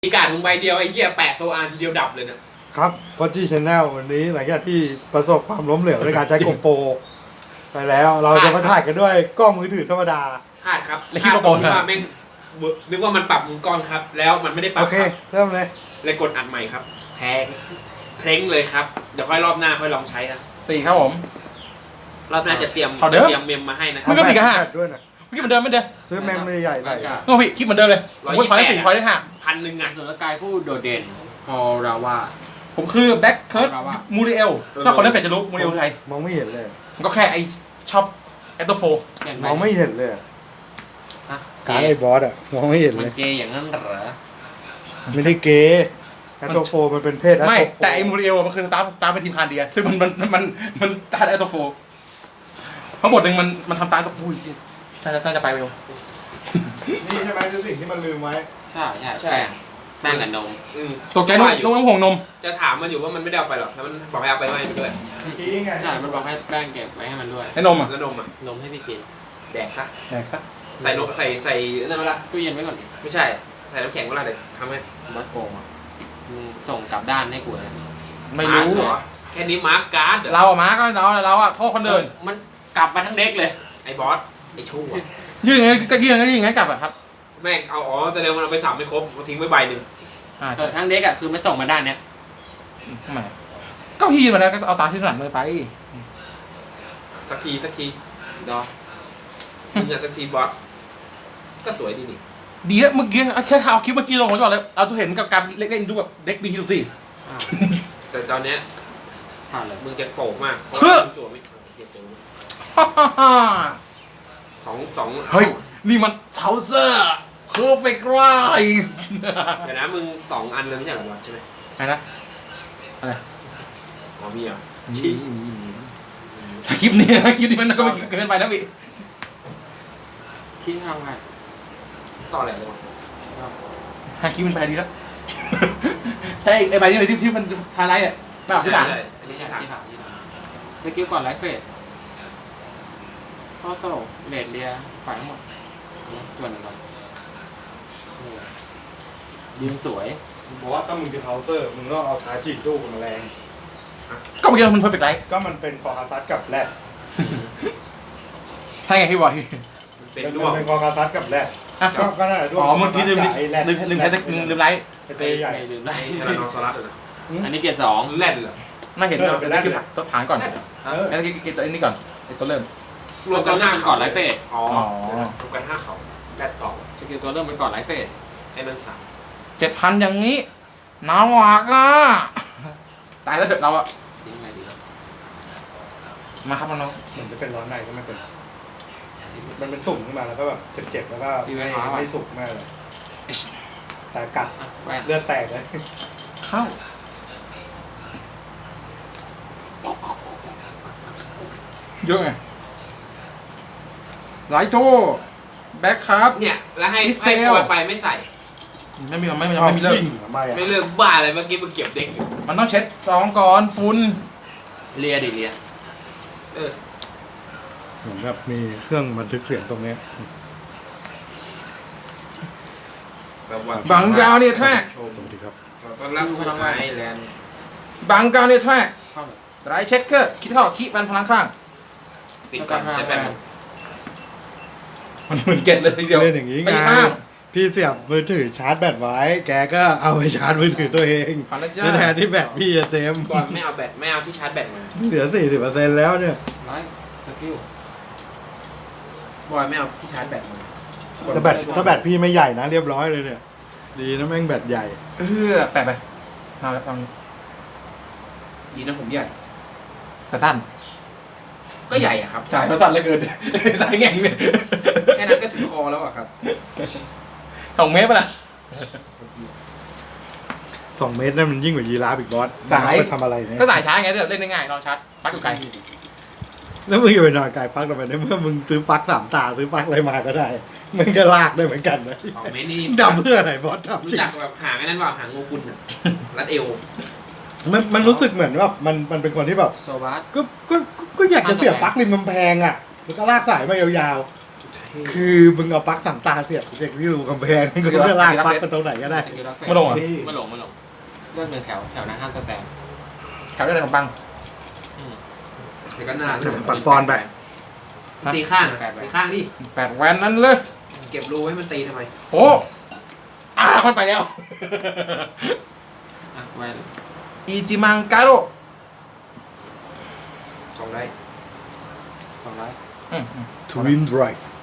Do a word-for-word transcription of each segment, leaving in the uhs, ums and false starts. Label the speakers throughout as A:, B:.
A: มีการถุงใบเดียวไอ้เหี้ยแปะโซอาร์ทีเดียวดับเลยนะครับ
B: พอจีชแนลวันนี้หลังจากที่ประสบความล้มเหลวในการใช้โกโปรไปแล้ว เราจะมาถ่ายกันด้วยกล้องมือถือธรรมดา
A: พลาดครับ
C: แล้วคิดว่าโปร
A: นึกว่าแม่งนึกว่ามันปรับมุมกล้องครับ แล้วมันไม่ได้ปรั
B: โอบ เค
A: ครับ
B: เริ่มเลย
A: เลยกดอัดใหม่ครับแพงเพลงเลยครับเดี๋ยวค่อยรอบหน้าค่อยลองใช้นะ
C: สี่ครับผม
A: รอบหน้าจะเตรียม
C: เอาเด้อ
A: เตรียมเมมมาให้นะค
C: มึ
A: รับ
C: งก็สี่กับห้า
B: แปดด้วยนะ
C: คิดเหมือนเดิมไม่เดิม
B: ซื้อแมมใหญ่ๆใส่
C: โอ้พี่คิดเหมือนเดิมเลยผมพูดพอยได้สี่พอยได้ห้า
A: พันหนึ่งอ่ะ
D: ส่วนกายผู้โดดเด่นฮอราว่า
C: ผมคือแบ็คเคิร์ด
D: เอาละ
C: มูริเอลถ้าคนเล่นเฟซจะรู้มูริเอลคือใคร
B: มองไม่เห็นเลย
C: มันก็แค่ไอช็อปแอตโตโฟ
D: อย่าง
B: มองไม่เห็นเลย
D: ฮะ
B: การไอ้บอสอะมองไม่เห็น
D: มั
B: เล
D: น
B: ย
D: เกย์อย่างนั้นเหรอ
B: ไม่ได้เกย์แอตโตโฟมันเป็นเพศแอต
C: ไม่
B: โตโฟ
C: แต่ไอมูริเอลมันคือสตาร์สตาร์เป็นทีมคานเดียซึ่งมันมันมันมันตาแอตโตโฟเพราะบทหนึ่งมันมันทำตามกับอุ้ยน่าจะน่าจะไปเร็ว
B: นี่ใช่ไหมคือสิ่งที่มันลืมไว้
D: ใช่ใช่แป้งแป้งกับนม
A: อืม
C: ตกใจนุ่มนุ่มน้ำหงนม
A: จะถามมันอยู่ว่ามันไม่ได้เอาไปหรอกแล้วมันบอกให้เอาไปไม่ไปด้วย
B: เมื่อกี้ไง
D: ใช่มันบอกให้แป้งเก็บไว้ให้มันด้วย
C: ไอ้นมอ่ะ
A: แล้วนมอ่ะ
D: นมให้พี่กิน
A: แดกซะ
C: แดกซะ
A: ใส่นมใส่ใส่นั่นมาละ
D: ตู้เย็นไว้ก่อนดิ
A: ไม่ใช่ใส่น้ำแข็งมาละเดี๋ยวทำให้
D: มัดโกงอ่ะมึงส่งกลับด้านให้กูนะ
C: ไม่รู้
A: าร์คเหรอแค่นี้มาร์กการ์ดเหรอ
C: เราอะมาก็เราเราอะโทษคนเดิน
D: มันกลับมาทั้งเด็กเลย
A: ไอ้บอสไอ้ชั่ว
C: ยื่นไงก็ยื่นไงยื่นไงกลับอะครับ
A: แม่งเอาอ๋อแสดงว่าเราไปสับไม่ครบเอาทิ้งไว้ใบหนึ่ง
C: อ่า
D: เออทั้งเด็กอ่ะคือมันส่งมาด้านเนี้ย
C: ทำไมก็พี่ยืนมาแล้วก็เอาตาที่หลังเลยไป
A: สักทีสักทีดอมึงอะสักทีบอสก็สวยดีนี่
C: ดีแล้วเมื่อกี้แค่เอาคลิปเมื่อกี้ลงมาก่อนเลยเราจะเห็นกับการเล่นดูแบบเด็กบีฮิลซี่
D: อ้าว
A: แต่ตอนเนี้ย
D: ผ่านเลย
A: มึงจะโป่งมากเพราะ
C: เฮ้
A: ว่า
C: อ
A: มึงจั่วไม่เอาเหี้ยจั่ว
C: ฮ่าฮ่าฮ่า
A: สองสอง
C: เฮ้ย นี่มันเทาเซอร์ perfect rise
A: เดี๋ยวนะมึงสองอันเลยไม่ใช่เหรอบอสใช่ไหม
C: อะไรนะอะไร
A: อ๋อมีเหรอ่ะชี้
C: คลิปนี้นะคลิปนี้มันก็เกินไปนะพี่
D: คิดทำไง
A: ต่ออะไรเลยวะ
C: ฮาคลิปมันไปดีแล้ว ใช่ไอ้ใบนี้เลยที่ที่มันไฮไลท์เนี่ยไม่เอาที่หลัง
A: ใช่อัน
D: ไม่
A: นี้
D: ใช่
A: ใช่ถาม
D: ที่ถามที่ถามเมื่อกี้ก่อนไลฟ์เฟสข้อสรุปเลดเรียฝ่ายทั้งหมดส่วนหนึ่งก่อนนี่ยืนสวย
B: เพราะว่าถ้ามึงจะเคาน์เตอร์มึงก็เอาทาจิสู้กับแมลง
C: ก็เมื่อกี้มัน perfect rise
B: ก็มันเป็นคอคาซัสกับแรด
C: ใช่ไงพี่บอย
A: มันเป็น
B: เป็น
A: ด้วง
B: เป็นคอคาซัสกับแรด
C: อ่ะ
B: ก็ก็นั่นแหละด้วง
C: อ๋อเมื่อกี้ลืม
B: ไอ้แรด
C: ลืมลืมแพ้ลืมลืมไลท์
B: ไอ้เตยใหญ่
D: ไม่ลืมได้
A: ไอ้ทารานอซอรัสเหรอ
D: อันนี้เกียร์สอง
A: แรดเหรอ
C: ไม่เห็น
B: เออเป็นแรด
C: คลิปตัวฐานก่อน
A: แรดเหรอ
B: เออ
C: แล้วก็กินตัวนี้ก่อนไอ้ตัวเริ่ม
A: รวมกันห้า
D: ก่อนไลฟ์เฟส
A: อ๋อ
C: อ๋อ
A: รวมกันห้าเขาแรดสอง
D: สกิลตัวเริ่มเป็นก่อนไลฟ์เฟส
A: ไอ้นั่นสาม
C: เจ็ดพันอย่างนี้หนาวหวากอ่ะตายแล้วเด็กเราอะ
D: ทิ้งอะไรดี
C: มาครับน้อง
B: เหมือนจะเป็นร้อนในก็ไม่เป็น มันเป็นตุ่มขึ้นมาแล้วก็แบบเจ็บๆแล้วก็ไม่ไม่สุกมากเลย แต่กัด
D: อ่ะแว่น
B: เลือดแตกเลย
C: เข้าเยอะไงไลท์โตแบ็คครับ
A: เนี่ยแล้วให้
C: มิสเซ
A: ให้
C: ล
A: ปล่อยไปไม่ใส่
C: ไม่มีไม่มีไม่มีเลิก
B: วิ่งทำไมอ่ะ
A: ไม่เลิกบ้าอะไรเมื่อกี้มึงเก็บเด็กอยู่
C: มันต้องเช็ดซองก่อนฝุ่น
D: เลียดิเลีย
A: เออ
B: เหมือนแบบมีเครื่องบันทึกเสียงตรงเนี้ย
A: สวัสดี
C: บังกาวเนี่ยแท็ก
B: สวัสดีครับ
A: ขอต้อนรับสู่ไอแลนด์
C: บังกาวเนี่ยแท็ก
D: เข้าเลย
C: ไรเช็คเกอร์คิดเท่าคิดมันพลังข้าง
A: ปิดก่อนจะแบบ
C: มันเหมือนเก็ตเลยทีเดียว
B: เล่นอย่างนี้
C: ไป
B: ไง
C: ข้าง
B: พี่เสียบมือถือชาร์จแบตไว้ แกก็เอาไปชาร์จมือถือตัวเอง
C: ผ่านแล้วจ้า
B: แทนที่แบตพี่จะเต็ม
A: บอลไม่เอาแบตไม่เอาที่ชาร์จแบตมา
B: เหลือสี่สิบเปอร์เซ็นต์แล้วเนี่ย
D: ไลฟ์สกิล
A: บอยไม่เอาที่ชาร์จแบตมา
B: ถ้าแบตถ้าแบตพี่ไม่ใหญ่นะเรียบร้อยเลยเนี่ย ดีนะแม่งแบตใหญ่
C: เออแปะไปมาแล้วฟัง
A: ดีนะผมใหญ่
C: แต่สั้น
A: ก็ใหญ่อะครับ
C: สายเราสั้นเหลือเกิน สายแง่งเนี่ย
A: แค่นั้นก็ถึงคอแล้วอะครับ
C: สองเมตรป่ะล่ะ
B: สองเมตรนั่นมันยิ่งกว่ายีราฟอีกบอส
C: สาย
B: ไปทำอะไรเนี่ย
C: ก็สายช้าไงเดี๋ยวเล่นได้ง่ายนอนชาร์จปลั๊กอยู่ไกล
B: แล้วมึงจะไปนอนไกลปลั๊กทำไมในเมื่อมึงซื้อปลั๊กสามตาซื้อปลั๊กอะไรมาก็ได้มึงก็ลากได้เหมือนกันนะ
A: สองเมตรนี่
B: ดำเพื่ออะไรบอสดำ
A: รู้
B: จริง
A: จักแบบหางไอ้นั่นว่าหางงูกุลอะรัดเอว
B: มันมันรู้สึกเหมือนว่ามันมันเป็นคนที่แบบ
D: โซบัส
B: ก็ก็ก็ก็อยากจะเสียบปลั๊กริมกำแพงอ่ะแล้วก็ลากสายมายาวคือมึงเอาปลั๊กสามตาเสียบเด็กที่รูกำแพงมึงก็จะลากปลั๊กไปตรงไหนก็ได้
D: สกิลล็อกเฟส
C: ไม่ลงเหรอ
D: ไม่ลงไม่ลงเลือกหนึ่งแถวแถวนั้นห้ามสแตน
C: แถวได้เลยของปัง
D: อืม
A: เดี๋ยวก็นาน
B: ปัดปอนไป
A: ตีข้างอะตีข้างดิ
C: แปดแวนนั้นเลย
A: เก็บรูให้มันตีทำไม
C: โอ้อ่ามันไปแล้ว
D: อ่ะไว้
C: อีจิมังกาโร
A: สองได้
D: สองร้อย
C: อืมอืม
B: ทวินไดรฟ์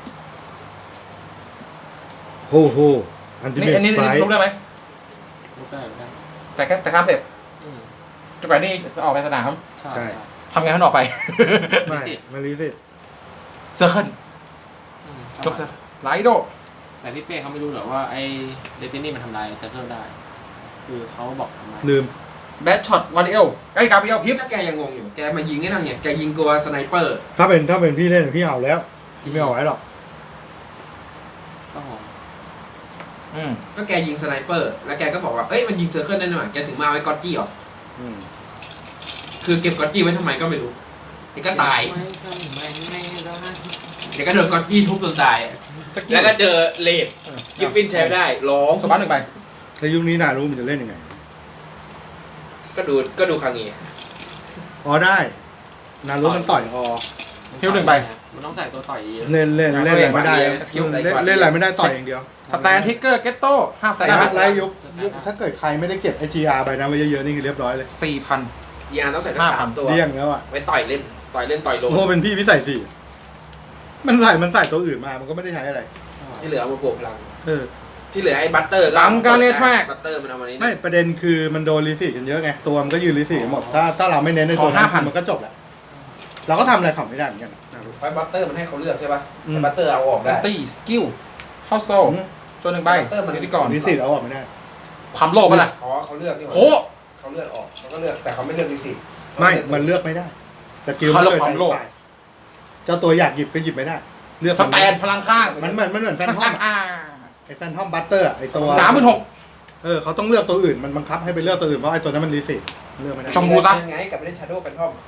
B: โฮโฮอันติ
C: นี่
B: เมต
C: อันนี้
B: สไต
C: ลุกได้ไหม
D: ลูกได้ลูกได้
C: แต่แค่แต่ข้ามเสร็จ
D: อืม
C: จนกว่านี่จะออกไปสนาม
D: ใช่
B: ใช่
C: ทำไงให้มันออกไป
B: ไม่ไม่รีสิ
C: เซอร์เคิล
D: อืม
C: จบไลโด
D: แต่พี่เป้เขาไม่รู้หรอกว่าไอ้เดตินี่มันทำลายเซอร์เคิลได้ คือเขาบอกทำไม
B: ลืม
C: แบทช็อตวันเอลใกล้กาเบียลพิฟ
A: ถ้าแกยังงงอยู่ แกมายิงไอ้นั่นไงแกยิงกลัวสไนเปอร์
B: ถ้าเป็นถ้าเป็นพี่เล่นพี่เอาแล้วพี่ไม่เอาไว้หรอก
D: ก็หอม
C: อืม
A: ก็แกยิงสไนเปอร์ แล้วแกก็บอกว่า เอ้ยมันยิงเซอร์เคิลได้หน่อยแกถึงมาเอาไว้กอตจี้หรอ
B: อืม
A: คือเก็บกอตจี้ไว้ทำไมก็ไม่รู้เดี๋ยวก็ตาย
D: ไม่ทำไมไม่ได้
A: เดี๋ยวก็โดนกอตจี้ทุบจนตาย
C: สกิล
A: แล้วก็เจอเลดกิฟฟินใช้ไม่ได้ ร้อง
C: สบัสหนึ่งใบ
B: ในยุคนี้นารู้มันจะเล่นยังไง
A: ก็ดูก็ดูครั้งนี้
B: อ๋อได้นารู้มันต่อยออ
C: ฮิวหนึ่งใบ
D: มันต้องใส่ตัวต่อยเยอะ
B: เล่นเล่นเล่นอะไรไม่ได้
A: สกิล
B: เล่นเล่นอะไรไม่ได้ต่อยอย่างเดียว
C: สแตนทิกเกอร์เกตโต้ห้ามใส่
B: ไอ้
C: ได้
B: ฮัทไลท์ยุคยุคถ้าเกิดใครไม่ได้เก็บไอจีอาร์ไปนะไว้เยอะๆนี่คือเรียบร้อยเลย
C: สี่พัน
A: ยีอาร์ต้องใส่สัก
C: ห้าพั
A: สาน มตัว
B: เลี่ยงแล้วอ่ะ
A: ไว้ต่อยเล่น ต่อยเล่นต่อยโดน
B: โอ้เป็นพี่พี่ใส่สี่มันใส่มันใส่ตัวอื่นมามันก็ไม่ได้ใช้อะไร
A: ที่เหลือเอามาบวกพลัง
B: เออ
A: ที่เหลือไอ้บัตเตอร์ก็
C: บังการเนทแทร็ก
A: บัตเตอร์มันเอามานี้
B: ไม่ประเด็นคือมันโดนรีสิตกันเยอะไงตัวมันก็ยืนรีสิตหมดถ้าถ้าเราไม่เน้นในตัว
C: ขอห้าพัน
B: มันก็จบแหละเราก็ทำอะไรเขาไม่ได้เหมือนกันนารู้
A: ไอ้บัตเตอร์มันให้เขาเลือกใช่ป่ะ
B: อืม
A: ไอ้บัตเตอร์เอาออก
C: แบ
A: ได้
C: ตตี้สกิลเข้าโซ่จนหนึ่งใบ
A: เติมมัน
C: สกิลก่อน
B: รีสิตเอาออกไม่ได้
C: ความโลภปะล่ะ
A: อ๋อเขาเลือกนี่หว่า
C: โห
A: เขาเลือกออกเขาก็เลือกแต่เขาไม่เลือกรีสิต
B: ไม่มันเลือกไม่ได้สกิล
C: เขา
B: มัน
C: เลือก
B: เกิด
C: ความโลภ
B: ใจฝ่ายเจ้าตัวอยากหยิบก็หยิบไม่ได้ เลือก
C: สแตนพลังข้าง
B: มันเหมือนมันเหมือนแฟนทอมอะ
C: อ่า
B: ไอ้แฟนทอมบัตเตอร์อะไอ้ตัว
C: สามหมื่นหก
B: เออเขาต้องเลือกตัวอื่นมันบังคับให้ไปเลือกตัวอื่นเพราะไอ้ตัวนั้นมันรีสิตเลือกไม่ได้
C: ชมพูซะ
A: ยังไงกับไม่ได้ชาโดว์เป็นทอม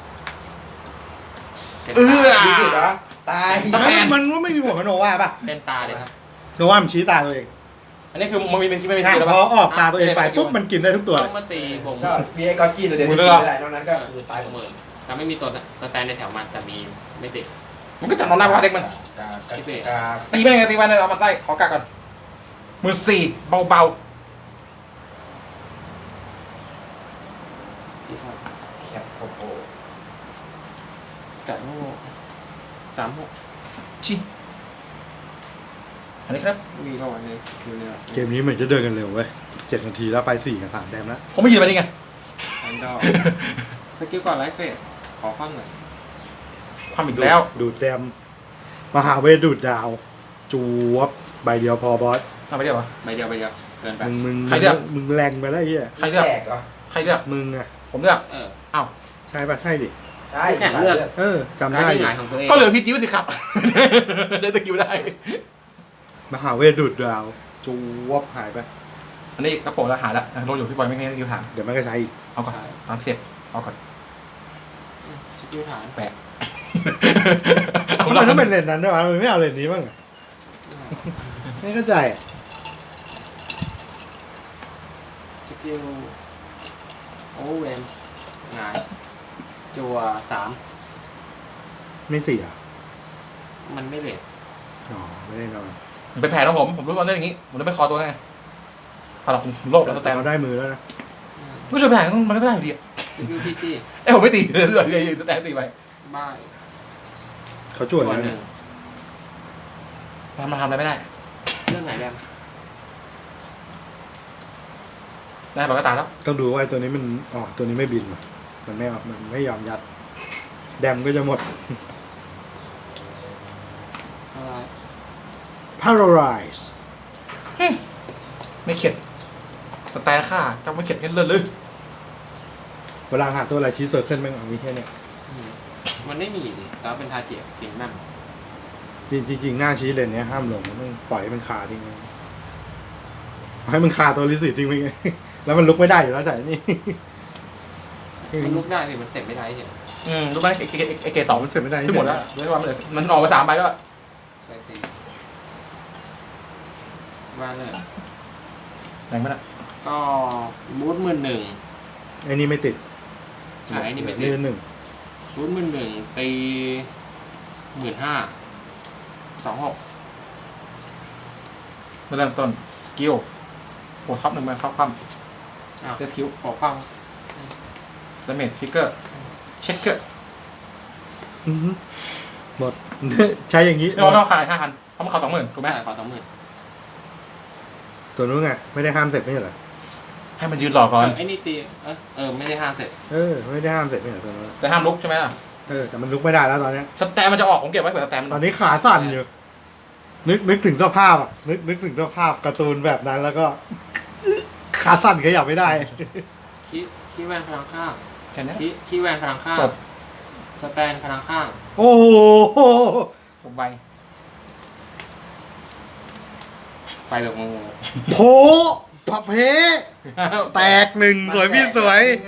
C: เออ
A: รีสิตเหรอตาย
C: สแตน
B: มันมันไม่มีหัวกับโนวาป่ะ
D: เต็มตาเลยครับ
B: โนวามันชี้ตาตัวเอง
C: อันนี้คือมันมีไม่มีทางแล้ว
B: พ
C: ปะ
B: อออกตาตัวเองไปปุ๊บมันกินได้ทุกตัว
D: ต้องมาตีบ่ง
A: ก็มีไอ้กอตจี้ตัวเดียวที่
C: หมด
A: กิ
C: เลยเหรอ
A: นไม่ได้นอกนั้นก็คือตายหมด
D: หมื่นแต่ไม่มีตัวสแตนในแถวมันแต่มีไม่ติด
C: มันก็จับนอนได้ปะเด็กมัน
A: กากา
D: คิดดิ
A: กา
C: ตีแม่งไงตีไปเลยเอามาใต้ขอกาก่อนหมื่นสี่เบา
D: ที่ชอบ
A: แคปโปโป
D: แต่โม่สามหก
C: ๆชิอันนี้ครับ
D: มีเข้าวันนี้อยู่เนี่ย
B: เกมนี้เหมือนจะเดินกันเร็วเว้ยเจ็ดนาทีแล้วไปสี่กับสามแดมแล้ว
C: ผมไม่ยืนไปนี่ไง
D: แอนดอร์สกิลก่อนไลฟ์เฟสขอความหน่อย
C: ความอีกแล้ว
B: ดูดแดมมหาเวทดูดดาว จูวบใบเดียวพอบอส
C: ทำไปเดียววะ
D: ใบเดียวใบเดียวเกินไป
B: มึงมึง
C: ใครเลือก
B: มึงแรงไปแล้วไอ้เหี้ย
C: ใครเลือก
A: แตกเหรอ
C: ใครเลือก
B: มึงอะ
C: ผมเลือก
D: เออ
C: อ้าว
B: ใช่ปะใช่ดิ
A: ใช่
D: แข่งเลือก
B: เออจำ
D: การ
B: ได้
D: ที่
B: ดิ
D: หงายของตัวเอง
C: ก็เหลือพีจีไว้สิครับ ได้สกิลได้
B: มหาเวทดูดดาว จูวบหายไป
C: อันนี้กระโปรงแล้วหายแล้วรถอยู่พี่บอยไม่ให้สกิลถาม
B: เดี๋ยวมันก็ใช้อีก
C: เอาก่อนตามเสียบเอาก่อน
D: สกิลฐาน
C: แปะ
B: ทำไมต้องเป็นเลนส์นั้นด้วยวะมึงไม่เอาเลนส์นี้บ้างอะไม่เข้าใจอะ
D: สกิลโอเวอร์เวนหงายจัวสาม
B: ไม่เสีย
D: มันไม่เลท
B: อ๋อไม่ได้นอน
C: มันเป็นแผนของผมผมรู้ตอนเล่นอย่างนี้ผมเลยไม่คอตัวไงพอเราผมโลภแล้วสแตน
B: เขาได้มือแล้วนะ
C: ก็ช่วยแผนมันก็ได้อยู่ดี
D: สกิลพีจี
C: เอ้ยผมไม่ตีเลยเลยเลยสแตนตีไป
D: บ้าย
B: เขาช่วย
D: ตัว
B: นะ
D: หนึ่ง
C: มันทำอะไรไม่ได้
D: เรื่องไหนแดม
C: ได้ปากก็ตายแล้ว
B: ต้องดูว่าไอ้ตัวนี้มันอ๋อตัวนี้ไม่บินว่ะมันไม่ออกมันไม่ยอมยัด แดมก็จะหมด
D: อะไร
B: paralyze
C: ไม่เข็ดสแตนค่าจะไม่เข็ดเงินเลยเลย
B: เวลาหาตัวอะไรชี้เซอร์เคิลแม่งเอามีแค่เนี้ย
D: อืมมันไม่มีดิแต่ว่าเป็นทาเจียจริงนั่น
B: จริงจริงๆหน้าชี้เลนเนี้ยห้ามลงมันปล่อยให้มันคาทิ้งไว้ให้มันคาตัวลิสิตทิ้งไว้ไง แล้วมันลุกไม่ได้อยู่แล้วแต่นี่
D: มันลุกได้พี่มันเสร็จไม่ได้เฉย
C: อืมรู้ไหมไอ้ไอ้ไอ้เกรดสองมัน
B: เสร็จไม่ได้
C: ที่หมดแล้วด้วยว่ามันเหลือมันออกไปสามใบแล้ว
D: ส่สี่ว่าเลย
C: แรงไหมล่ะ
D: ก็บูทหมื่นหนึ่ง
B: ไอ้นี่ไม่ติด
D: ใช่ไอ้นี่ไม่ติด
B: นี่หนึ่ง
D: บูทหมื่นหนึ่งตีหมื่นห้าสองหก
C: เริ่มต้นสกิลโอ้ท็อปหนึ่งมาครอบคว่
D: อ้าว
C: ำเซสกิล
D: ขอความ
C: ดาเมจฟิกเกอร์เช็คเกอร์
B: อื้อหือหมด ใช้อย่างนี้
C: ไม่ต้องขายห้าพันเพราะมันเขาสองหมื่นถูกไหม
D: แม่ขอสองหมื่น
B: ตัวนู้นไงไม่ได้ห้ามเสร็จไม่ใช่เหรอ
C: ให้มันยืนรอก่อน
D: ไอ้นี่ตีเออเออไม่ได้ห้ามเสร็จ
B: เออไม่ได้ห้ามเสร็จไม่ใช่เหรอตัวนู้น
C: แต่ห้ามลุกใช่ไหมล่ะ
B: เออแต่มันลุกไม่ได้แล้วตอนเนี้ย
C: สแตมมันจะออกผมเก็บไว้เผื่อสแตม
B: ตอนนี้ขาสั่นอยู่ นึกนึกถึงสภาพอ่ะ นึกนึกถึงสภาพการ์ตูนแบบนั้นแล้วก็ ขาสั่นขยับไม่ได้
D: ขี้ขี้แวนพลังข้าง
C: แค่นี้
D: ขี้ขี้แวนพลังข้าง
C: จบ
D: สแตนพลังข้าง
B: โอ้โห
C: ผมไป
D: ไปแบบงง
B: โผพับเพแตกหนึ่งสวยพี่สวย